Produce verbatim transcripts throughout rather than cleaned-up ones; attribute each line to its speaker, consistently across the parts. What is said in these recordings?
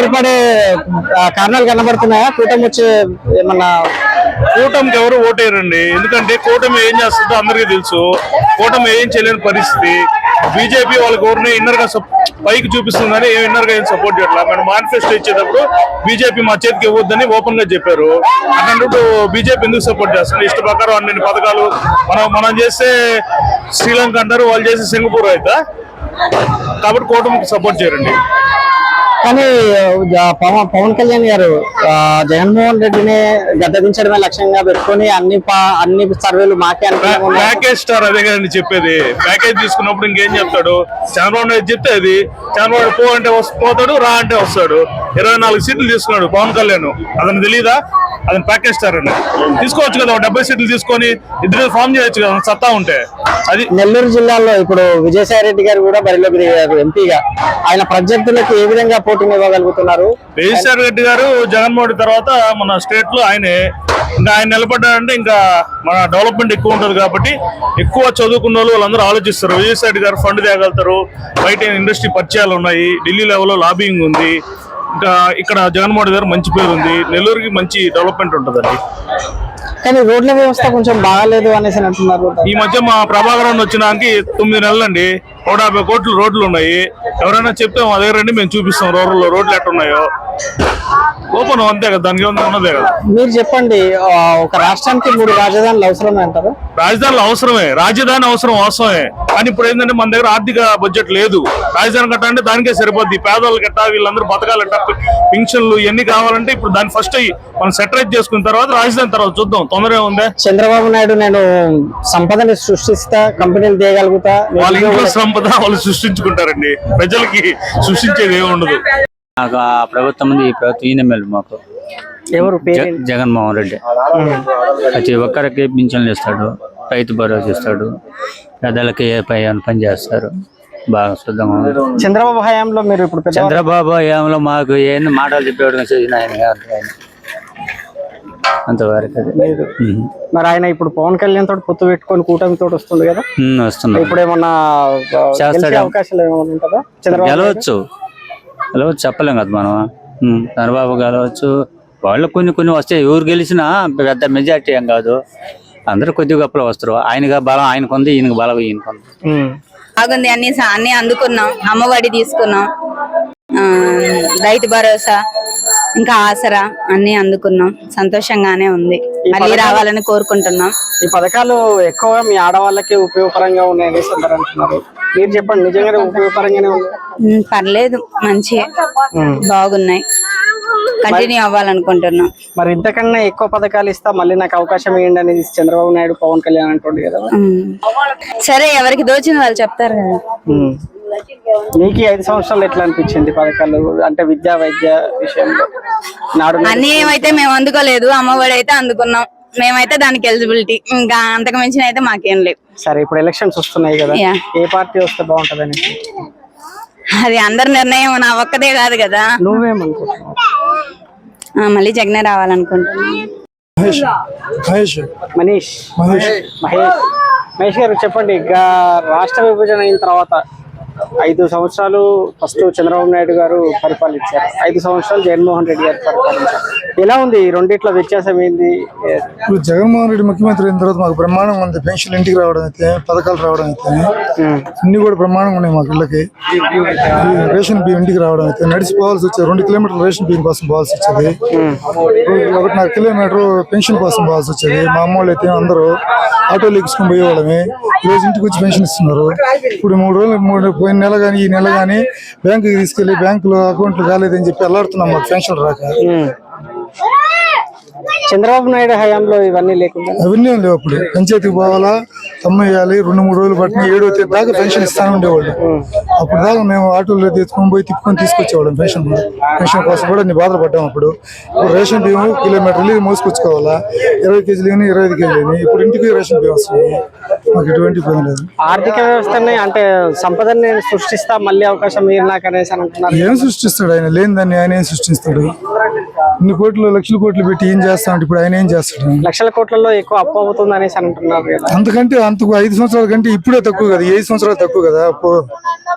Speaker 1: ఏర్పడే కారణాలు కనబడుతున్నాయా? కూటమి వచ్చే ఏమన్నా?
Speaker 2: కూటమికి ఎవరు ఓటేయరండి, ఎందుకంటే కూటమి ఏం చేస్తుందో అందరికీ తెలుసు. కూటమి ఏం చేయలేని పరిస్థితి. బీజేపీ వాళ్ళకి ఎవరిని ఇన్నర్ గా పైకి చూపిస్తుందని ఏ ఇన్నర్ గా ఏం సపోర్ట్ చేయట్లేదు. మనం మేనిఫెస్టో ఇచ్చేటప్పుడు బీజేపీ మా చేతికి ఇవ్వద్దని ఓపెన్ గా చెప్పారు. అన్నట్టు బీజేపీ ఎందుకు సపోర్ట్ చేస్తుంది? ఇష్ట ప్రకారం అన్ని పథకాలు మనం మనం చేస్తే శ్రీలంక అంటారు, వాళ్ళు చేస్తే సింగపూర్ అయితే. కాబట్టి కూటమికి సపోర్ట్ చేయరండి.
Speaker 1: కానీ పవన్ పవన్ కళ్యాణ్ గారు జగన్మోహన్ రెడ్డిని గద్దెదించడమే లక్ష్యంగా పెట్టుకుని అన్ని అన్ని సర్వేలు మాకే అనుకున్నాము.
Speaker 2: ప్యాకేజ్ స్టార్ అదే కదండి చెప్పేది. ప్యాకేజ్ తీసుకున్నప్పుడు ఇంకేం చెప్తాడు? చంద్రబాబు నాయుడు చెప్తే అది చంద్రబాబు పో అంటే పోతాడు, రా అంటే వస్తాడు. ఇరవై నాలుగు సీట్లు తీసుకున్నాడు పవన్ కళ్యాణ్. అతను తెలీదా? అతను ప్యాకేజ్ స్టార్ అండి. తీసుకోవచ్చు కదా, డెబ్బై సీట్లు తీసుకొని ఇద్దరు ఫామ్ చేయొచ్చు కదా సత్తా ఉంటే. అది
Speaker 1: నెల్లూరు జిల్లాలో ఇప్పుడు విజయసాయి రెడ్డి గారు కూడా బరిలోకి దిగారు ఎంపీగా. ఆయన ప్రత్యర్థులకు ఏ విధంగా పోటీని ఇవ్వగలుగుతున్నారు?
Speaker 2: విజయసాయి రెడ్డి గారు జగన్మోహన్ రెడ్డి తర్వాత మన స్టేట్ లో ఆయనే. ఇంకా ఆయన నిలబడ్డారంటే ఇంకా మన డెవలప్మెంట్ ఎక్కువ ఉంటుంది కాబట్టి ఎక్కువ చదువుకున్న వాళ్ళు వాళ్ళందరూ ఆలోచిస్తారు. విజయసాయి రెడ్డి గారు ఫండ్ తేగలుగుతారు, బయట ఇండస్ట్రీ పరిచయాలు ఉన్నాయి, ఢిల్లీ లెవెల్లో లాబింగ్ ఉంది. ఇంకా ఇక్కడ జగన్మోహన్ రెడ్డి గారు మంచి పేరు ఉంది, నెల్లూరుకి మంచి డెవలప్మెంట్ ఉంటుందండి.
Speaker 1: కానీ రోడ్ల వ్యవస్థ కొంచెం బాగాలేదు అనేసి అంటున్నారు.
Speaker 2: ఈ మధ్య మా ప్రభాకరన్ వచ్చినానికి తొమ్మిది నెలలు అండి, నూట యాభై కోట్లు రోడ్లు ఉన్నాయి. ఎవరైనా చెప్తే మా దగ్గర రండి, మేము చూపిస్తాం రూరల్లో రోడ్లు ఎట్టున్నాయో. ఓపెన్ అంతే కదా, దానికి ఉన్నదే కదా.
Speaker 1: మీరు చెప్పండి, ఒక రాష్ట్రానికి మూడు రాజధానులు అవసరమే అంటారు?
Speaker 2: రాజధానులు అవసరమే, రాజధాని అవసరం అవసరమే. కానీ ఇప్పుడు ఏంటంటే మన దగ్గర ఆర్థిక బడ్జెట్ లేదు. రాజధాని కట్టాలంటే దానికే సరిపోద్ది. పేదవాళ్ళు కట్టా, వీళ్ళందరూ బతకాలంట, పింఛన్లు ఇవన్నీ కావాలంటే ఇప్పుడు దాన్ని ఫస్ట్ మనం సెటరైజ్ చేసుకున్న తర్వాత రాజధాని తర్వాత చూద్దాం. తొందరగా ఉందే.
Speaker 1: చంద్రబాబు నాయుడు నేను సంపదని సృష్టిస్తా, కంపెనీలు తీయగలుగుతా,
Speaker 2: వాళ్ళ ఇంట్లో సంపద వాళ్ళు సృష్టించుకుంటారండి. ప్రజలకి సృష్టించేది ఏమి ఉండదు.
Speaker 3: నాకు ఆ ప్రభుత్వం ఉంది, ఈ ప్రభుత్వం ఈయన మేలు మాకు.
Speaker 1: ఎవరు?
Speaker 3: జగన్మోహన్ రెడ్డి. ప్రతి ఒక్కరికి పింఛన్లు ఇస్తాడు, రైతు భరోసా ఇస్తాడు, పెద్దలకి పై పని చేస్తారు. బాగా శుద్ధంగా ఉంది.
Speaker 1: చంద్రబాబు హయాంలో మీరు ఇప్పుడు
Speaker 3: చంద్రబాబు హయాంలో మాకు ఏం మాటలు చెప్పేవాడు చేసిన ఆయన అంతవరకు.
Speaker 1: మరి ఆయన ఇప్పుడు పవన్ కళ్యాణ్ తోటి పొత్తు పెట్టుకొని కూటమి తోటి వస్తుంది కదా,
Speaker 3: వస్తుంది.
Speaker 1: ఇప్పుడు ఏమన్నా చేస్తాడు? అవకాశాలు ఏమైనా ఉంటుందా?
Speaker 3: గెలవచ్చు గెలవచ్చు చెప్పలేం కదా మనం. చంద్రబాబు గెలవచ్చు, వాళ్ళు కొన్ని కొన్ని వస్తాయి. ఎవరు గెలిచినా పెద్ద మెజార్టీ ఏం కాదు, అందరూ కొద్ది గొప్పలు వస్తారు. ఆయనగా బలం ఆయనకు ఉంది, ఈయనకు బలం ఈయనకు ఉంది.
Speaker 4: బాగుంది, అన్ని అన్ని అందుకున్నాం. అమ్మఒడి తీసుకున్నాం, రైతు భరోసా, ఇంకా ఆసరా అన్ని అందుకున్నాం. సంతోషంగానే ఉంది, మళ్ళీ రావాలని కోరుకుంటున్నాం.
Speaker 1: ఈ పథకాలు ఎక్కువగా మీ ఆడవాళ్ళకి ఉపయోగకరంగా ఉన్నాయని అంటున్నారు. మీరు చెప్పండి, నిజంగానే ఉపయోగకరంగానే ఉంది?
Speaker 4: పర్లేదు, మంచిగా బాగున్నాయి, కంటిన్యూ అవ్వాలనుకుంటున్నాం.
Speaker 1: మరి ఇంతకన్నా ఎక్కువ పథకాలు ఇస్తా, మళ్ళీ నాకు అవకాశం ఇవ్వండి అనేది చంద్రబాబు నాయుడు పవన్ కళ్యాణ్ అంటుండే కదా.
Speaker 4: సరే, ఎవరికి దోచిన వాళ్ళు చెప్తారు కదా.
Speaker 1: మీకు ఐదు సంవత్సరాలు ఎట్లా అనిపించింది పథకాలు? అంటే విద్యా వైద్య విషయంలో నాడు
Speaker 4: అన్ని ఏమైతే మేము అందుకోలేదు, అమ్మఒడి అయితే అందుకున్నాం. మేమైతే దానికి ఎలిజిబిలిటీ, ఇంకా అంతకు మించిన అయితే మాకేం లేవు.
Speaker 1: సరే, ఇప్పుడు ఎలక్షన్స్ వస్తున్నాయి కదా, ఏ పార్టీ వస్తే బాగుంటదని?
Speaker 4: అది అందరి నిర్ణయం, నా ఒక్కదే కాదు కదా.
Speaker 1: నువ్వేమనుకుంటున్నావు?
Speaker 4: మళ్ళీ జగనే రావాలనుకుంటున్నాను.
Speaker 1: మనీష్ మహేష్ మహేష్ మహేష్ గారు చెప్పండి, ఇక రాష్ట్ర విభజన అయిన తర్వాత ఐదు సంవత్సరాలు ఫస్ట్ చంద్రబాబు నాయుడు గారు పరిపాలించారు, ఐదు సంవత్సరాలు జగన్మోహన్ రెడ్డి గారు పరిపాలించారు. ఎలా ఉంది ఈ రెండిట్లో వ్యత్యాసం ఏంది?
Speaker 5: ఇప్పుడు జగన్మోహన్ రెడ్డి ముఖ్యమంత్రి అయిన తర్వాత మాకు బ్రహ్మాండంగా ఉంది. పెన్షన్ ఇంటికి రావడం అయితే, పథకాలు రావడం అయితే అన్ని కూడా బ్రహ్మాండంగా ఉన్నాయి. మాకు ఇళ్ళకి రేషన్ బియ్యం ఇంటికి రావడం అయితే, నడిచిపోవాల్సి వచ్చేది రెండు కిలోమీటర్లు రేషన్ బియ్యం కోసం పోవాల్సి వచ్చేది, ఒకటిన్నర కిలోమీటర్ పెన్షన్ కోసం పోవాల్సి వచ్చేది. మా అమ్మ వాళ్ళు అయితే అందరూ ఆటోలు ఎక్కించుకొని పోయేవాళ్ళమే, రోజు ఇంటికి వచ్చి పెన్షన్ ఇస్తున్నారు. ఇప్పుడు మూడు రోజులు మూడు పోయిన నెల కానీ ఈ నెల కానీ బ్యాంకుకి తీసుకెళ్లి బ్యాంకులో అకౌంట్లు కాలేదని చెప్పి అల్లాడుతున్నాం మాకు పెన్షన్ రాక.
Speaker 1: చంద్రబాబు నాయుడు హయాంలో ఇవన్నీ లేకుండా
Speaker 5: అవన్నీ లేవు. అప్పుడు పంచాయతీకి పోవాలా, తమ్మేయాలి, రెండు మూడు రోజులు పట్టిన ఏడో తేదీ దాకా పెన్షన్ ఇస్తానే ఉండేవాళ్ళు. అప్పుడు దాకా మేము ఆటోలో తీసుకొని పోయి తిప్పుకొని తీసుకొచ్చేవాళ్ళం పెన్షన్. పెన్షన్ కోసం కూడా నేను బాధలు పడ్డాం. అప్పుడు ఇప్పుడు రేషన్ బియ్యం కిలోమీటర్ వెళ్ళి మోసుకొచ్చుకోవాలా, ఇరవై కేజీలు కానీ ఇరవై ఐదు కేజీలు ఇప్పుడు ఇంటికి రేషన్ బియ్యం వస్తుంది. మాకు ఎటువంటి ఇబ్బంది లేదు.
Speaker 1: ఆర్థిక వ్యవస్థని అంటే సంపదని సృష్టిస్తా, మళ్ళీ అవకాశం మీరు నాకు అనేసి అంటున్నారు.
Speaker 5: ఏం సృష్టిస్తాడు ఆయన? లేని దాన్ని ఆయన ఏం సృష్టిస్తాడు? ఇన్ని కోట్లు లక్షల కోట్లు పెట్టి ఏం చేస్తామంటే ఇప్పుడు ఆయన ఏం చేస్తాడు?
Speaker 1: లక్షల కోట్లలో ఎక్కువ అప్పు అవుతుంది అనేసి అంటున్నారు.
Speaker 5: అంతకంటే అంతకు ఐదు సంవత్సరాల కంటే ఇప్పుడే తక్కువ కదా, ఐదు సంవత్సరాలు తక్కువ కదా అప్పు.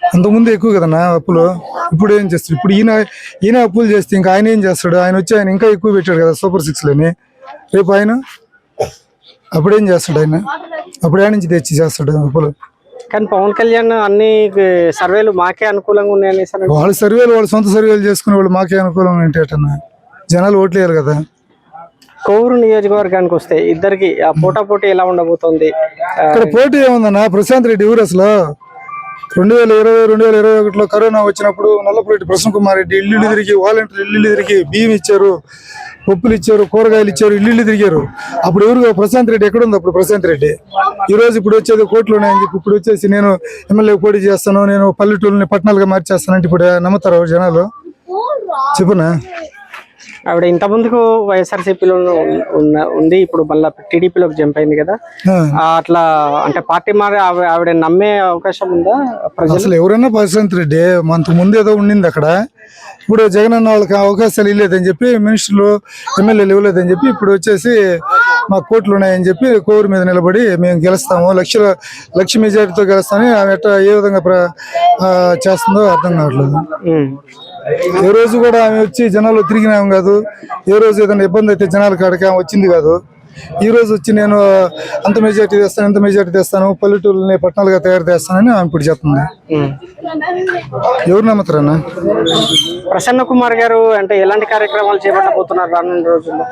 Speaker 5: అంతకుముందు ఎక్కువ కదన్నా అప్పులు. ఇప్పుడు ఏం చేస్తాడు? ఇప్పుడు ఈయన ఈయన అప్పులు చేస్తే ఇంకా ఆయన ఏం చేస్తాడు? ఆయన వచ్చి ఆయన ఇంకా ఎక్కువ పెట్టాడు కదా సూపర్ సిక్స్ లని. రేపు ఆయన అప్పుడేం చేస్తాడు? ఆయన అప్పుడు ఆయన నుంచి తెచ్చి చేస్తాడు అప్పులు.
Speaker 1: కానీ పవన్ కళ్యాణ్ అన్ని సర్వేలు మాకే అనుకూలంగా ఉన్నాయని సార్.
Speaker 5: వాళ్ళ సర్వేలు వాళ్ళ సొంత సర్వేలు చేసుకునే వాళ్ళు మాకే అనుకూలంగా ఏంటన్నా? జనాలు ఓట్లేయాలి కదా.
Speaker 1: కోవూరు నియోజకవర్గానికి వస్తే ఇద్దరికి ఆ పోటా పోటీ ఎలా ఉండబోతోంది?
Speaker 5: ఇక్కడ పోటీ ఏముందన్నా? ప్రశాంత్ రెడ్డి ఊరు అసలు రెండు వేల ఇరవై రెండు వేల ఇరవై ఒకటిలో కరోనా వచ్చినప్పుడు నల్లపురెడ్డి ప్రసన్న కుమార్ రెడ్డి ఇల్లు తిరిగి వాలంటీర్ ఇల్లు తిరిగి బియ్యం ఇచ్చారు, పప్పులు ఇచ్చారు, కూరగాయలు ఇచ్చారు, ఇల్లు తిరిగారు. అప్పుడు ఎవరు? ప్రశాంత్ రెడ్డి ఎక్కడ ఉంది అప్పుడు ప్రశాంత్ రెడ్డి? ఈ రోజు ఇప్పుడు వచ్చేది కోట్లు ఉన్నాయని చెప్పి ఇప్పుడు వచ్చేసి నేను ఎమ్మెల్యే పోటీ చేస్తాను, నేను పల్లెటూరుని పట్టణాలుగా మార్చేస్తానంటే ఇప్పుడు నమ్ముతారు జనాలు? చెప్పునా.
Speaker 1: ఆవిడ ఇంత ముందుకు వైఎస్ఆర్సీపీలో ఉన్న ఉంది, ఇప్పుడు మళ్ళీ టీడీపీలోకి జంప్ అయింది కదా. ఆ, అట్లా అంటే పార్టీ మారి ఆవి- ఆవిడ నమ్మే అవకాశం ఉందా ప్రజలు?
Speaker 5: అసలు ఎవరైనా ప్రశాంత్ రెడ్డి మనకు ముందు ఏదో ఉండింది అక్కడ. ఇప్పుడు జగన్ అన్న వాళ్ళకి అవకాశాలు ఇవ్వలేదని చెప్పి మినిస్టర్లు ఎమ్మెల్యేలు ఇవ్వలేదని చెప్పి ఇప్పుడు వచ్చేసి మా కోట్లు ఉన్నాయని చెప్పి కోరు మీద నిలబడి మేము గెలుస్తాము, లక్షల లక్ష మెజారిటీతో గెలుస్తామని ఆమె ఎట్లా ఏ విధంగా ప్ర ఆ, చేస్తుందో అర్థం కావట్లేదు.
Speaker 1: ఉమ్.
Speaker 5: ఏ రోజు కూడా ఆమె వచ్చి జనాలు తిరిగినాము కాదు, ఏ రోజు ఏదైనా ఇబ్బంది అయితే జనాల కాడికి ఆమె వచ్చింది కాదు. ఈ రోజు వచ్చి నేను అంత మెజారిటీ తెస్తాను, ఎంత మెజారిటీ తెస్తాను, పల్లెటూరుని పట్టణాలుగా తయారు చేస్తానని ఆమె ఇప్పుడు చెప్తుంది.
Speaker 1: ఉమ్.
Speaker 5: ఎవరు నమ్ముతారన్నా?
Speaker 1: ప్రసన్న కుమార్ గారు అంటే ఎలాంటి కార్యక్రమాలు చేపట్టబోతున్నారు రానున్న రోజుల్లో?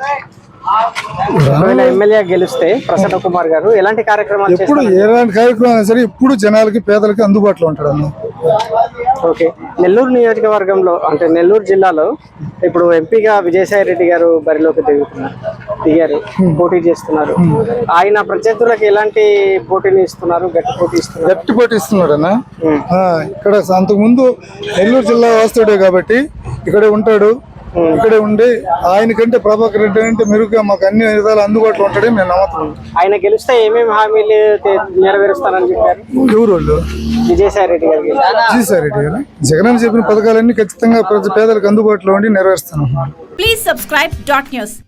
Speaker 1: ఒకవేళ ఎమ్మెల్యే గెలిస్తే ప్రసన్న కుమార్ గారు ఎలాంటి కార్యక్రమాలు
Speaker 5: ఇప్పుడు
Speaker 1: చేస్తారు?
Speaker 5: ఎలాంటి కార్యక్రమం అయినా సరే ఇప్పుడు జనాలకి పేదలకి అందుబాటులో ఉంటాడు అన్న.
Speaker 1: ఓకే. నెల్లూరు నియోజకవర్గంలో అంటే నెల్లూరు జిల్లాలో ఇప్పుడు ఎంపీగా విజయసాయి రెడ్డి గారు బరిలోకి దిగుతున్నారు దిగారు పోటీ చేస్తున్నారు. ఆయన ప్రత్యర్థులకు ఎలాంటి పోటీని ఇస్తున్నారు? గట్టి పోటీ ఇస్తున్నారు?
Speaker 5: గట్టి పోటీ ఇస్తున్నాడు అన్న. ఆ, ఇక్కడ అంతకు ముందు నెల్లూరు జిల్లా వాస్తుడే కాబట్టి ఇక్కడే ఉంటాడు, ఇక్కడే ఉండి ఆయన కంటే ప్రభాకర్ రెడ్డి అంటే మెరుగ్గా మాకు అన్ని విధాలు అందుబాటులో ఉంటాడని మేము నమ్ముతున్నాం.
Speaker 1: ఆయన గెలిస్తే ఏమేమి హామీలు తే- నెరవేరుస్తారని చెప్పారు
Speaker 5: ఎవరు వాళ్ళు?
Speaker 1: విజయసాయి రెడ్డి గారికి?
Speaker 5: విజయసాయి రెడ్డి గారు జగన్ చెప్పిన పథకాలన్నీ ఖచ్చితంగా ప్రజ పేదలకు అందుబాటులో ఉండి నెరవేరుస్తున్నాం.
Speaker 6: Please subscribe dot news.